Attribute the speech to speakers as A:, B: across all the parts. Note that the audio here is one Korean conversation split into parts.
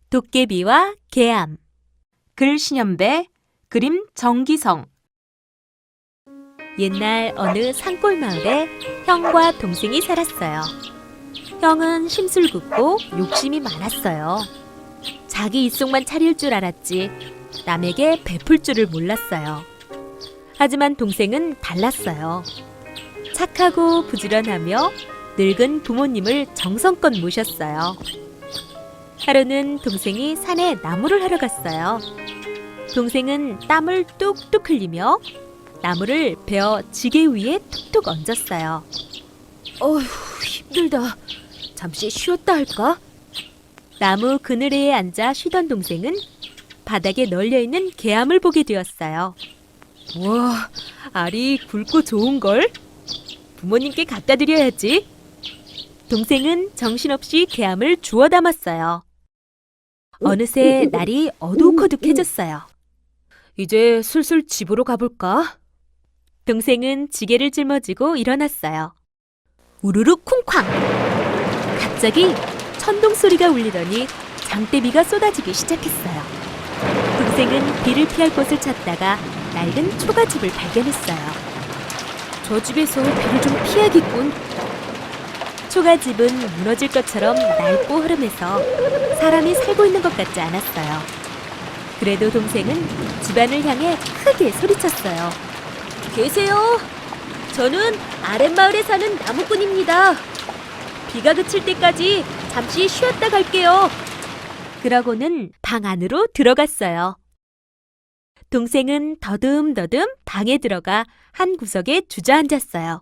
A: 도깨비와 개암. 글 신현배, 그림 정기성. 옛날 어느 산골 마을에 형과 동생이 살았어요. 형은 심술궂고 욕심이 많았어요. 자기 입속만 차릴 줄 알았지 남에게 베풀 줄을 몰랐어요. 하지만 동생은 달랐어요. 착하고 부지런하며 늙은 부모님을 정성껏 모셨어요. 하루는 동생이 산에 나무를 하러 갔어요. 동생은 땀을 뚝뚝 흘리며 나무를 베어 지게 위에 툭툭 얹었어요. 어휴, 힘들다. 잠시 쉬었다 할까? 나무 그늘에 앉아 쉬던 동생은 바닥에 널려있는 개암을 보게 되었어요. 와, 알이 굵고 좋은걸? 부모님께 갖다 드려야지. 동생은 정신없이 개암을 주워 담았어요. 어느새 날이 어둑어둑해졌어요. 이제 슬슬 집으로 가볼까? 동생은 지게를 짊어지고 일어났어요. 우르르 쿵쾅! 갑자기 천둥 소리가 울리더니 장대비가 쏟아지기 시작했어요. 동생은 비를 피할 곳을 찾다가 낡은 초가집을 발견했어요. 저 집에서 비를 좀 피해야겠군. 초가집은 무너질 것처럼 낡고 흐름해서 사람이 살고 있는 것 같지 않았어요. 그래도 동생은 집안을 향해 크게 소리쳤어요. 계세요? 저는 아랫마을에 사는 나무꾼입니다. 비가 그칠 때까지 잠시 쉬었다 갈게요. 그러고는 방 안으로 들어갔어요. 동생은 더듬더듬 방에 들어가 한 구석에 주저앉았어요.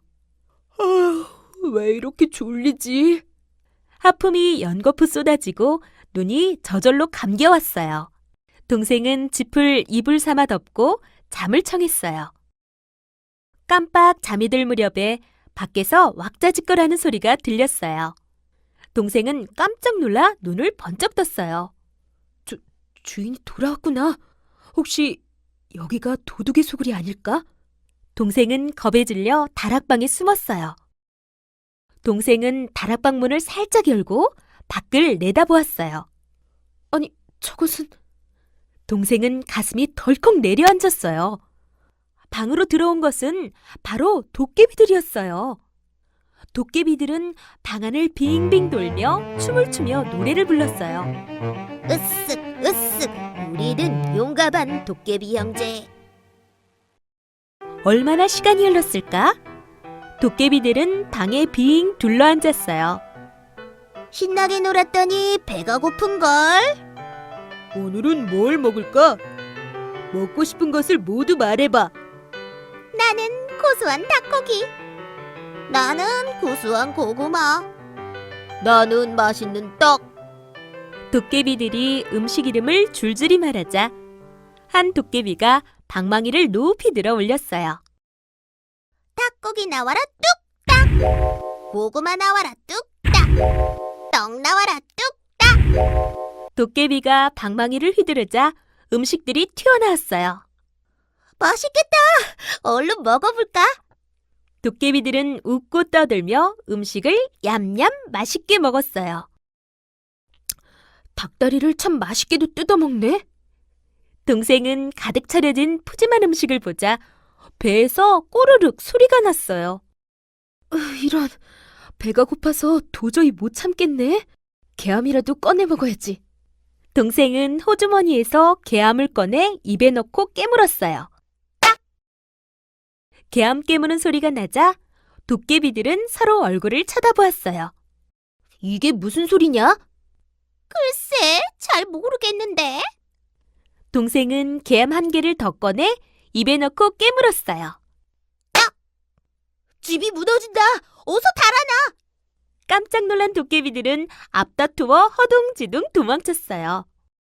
A: 왜 이렇게 졸리지? 하품이 연거푸 쏟아지고 눈이 저절로 감겨왔어요. 동생은 짚을 이불 삼아 덮고 잠을 청했어요. 깜빡 잠이 들 무렵에 밖에서 왁자지껄하는 소리가 들렸어요. 동생은 깜짝 놀라 눈을 번쩍 떴어요. 주인이 돌아왔구나. 혹시 여기가 도둑의 소굴이 아닐까? 동생은 겁에 질려 다락방에 숨었어요. 동생은 다락방 문을 살짝 열고 밖을 내다보았어요. 아니, 저것은... 동생은 가슴이 덜컥 내려앉았어요. 방으로 들어온 것은 바로 도깨비들이었어요. 도깨비들은 방 안을 빙빙 돌며 춤을 추며 노래를 불렀어요.
B: 으쓱 으쓱 우리는 용감한 도깨비 형제.
A: 얼마나 시간이 흘렀을까? 도깨비들은 방에 빙 둘러앉았어요.
B: 신나게 놀았더니 배가 고픈걸.
A: 오늘은 뭘 먹을까? 먹고 싶은 것을 모두 말해봐.
B: 나는 고소한 닭고기. 나는 고소한 고구마. 나는 맛있는 떡.
A: 도깨비들이 음식 이름을 줄줄이 말하자 한 도깨비가 방망이를 높이 들어 올렸어요.
B: 닭고기 나와라 뚝딱. 고구마 나와라 뚝딱. 떡 나와라 뚝딱.
A: 도깨비가 방망이를 휘두르자 음식들이 튀어나왔어요.
B: 맛있겠다. 얼른 먹어볼까?
A: 도깨비들은 웃고 떠들며 음식을 얌얌 맛있게 먹었어요. 닭다리를 참 맛있게도 뜯어먹네. 동생은 가득 차려진 푸짐한 음식을 보자 배에서 꼬르륵 소리가 났어요. 이런, 배가 고파서 도저히 못 참겠네. 개암이라도 꺼내 먹어야지. 동생은 호주머니에서 개암을 꺼내 입에 넣고 깨물었어요. 딱! 개암 깨무는 소리가 나자 도깨비들은 서로 얼굴을 쳐다보았어요. 이게 무슨 소리냐?
B: 글쎄, 잘 모르겠는데.
A: 동생은 개암 한 개를 더 꺼내 입에 넣고 깨물었어요.
B: 집이 무너진다. 어서 달아나.
A: 깜짝 놀란 도깨비들은 앞다투어 허둥지둥 도망쳤어요.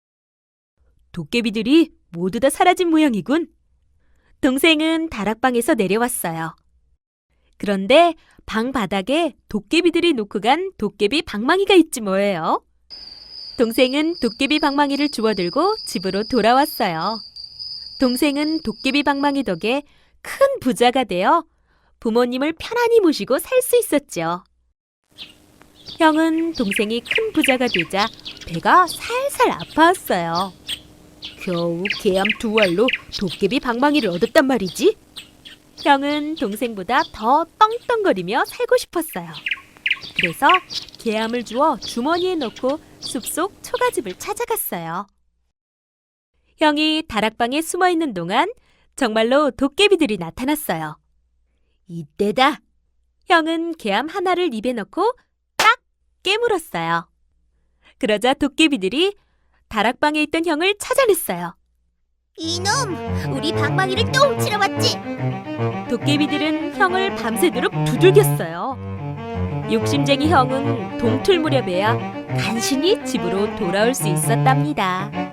A: 도깨비들이 모두 다 사라진 모양이군. 동생은 다락방에서 내려왔어요. 그런데 방 바닥에 도깨비들이 놓고 간 도깨비 방망이가 있지 뭐예요. 동생은 도깨비 방망이를 주워들고 집으로 돌아왔어요. 동생은 도깨비 방망이 덕에 큰 부자가 되어 부모님을 편안히 모시고 살 수 있었죠. 형은 동생이 큰 부자가 되자 배가 살살 아파왔어요. 겨우 개암 2알로 도깨비 방망이를 얻었단 말이지. 형은 동생보다 더 떵떵거리며 살고 싶었어요. 그래서 개암을 주워 주머니에 넣고 숲속 초가집을 찾아갔어요. 형이 다락방에 숨어 있는 동안 정말로 도깨비들이 나타났어요. 이때다. 형은 개암 하나를 입에 넣고 딱 깨물었어요. 그러자 도깨비들이 다락방에 있던 형을 찾아냈어요.
B: 이놈, 우리 방망이를 또 훔치러 왔지?
A: 도깨비들은 형을 밤새도록 두들겼어요. 욕심쟁이 형은 동틀 무렵에야 간신히 집으로 돌아올 수 있었답니다.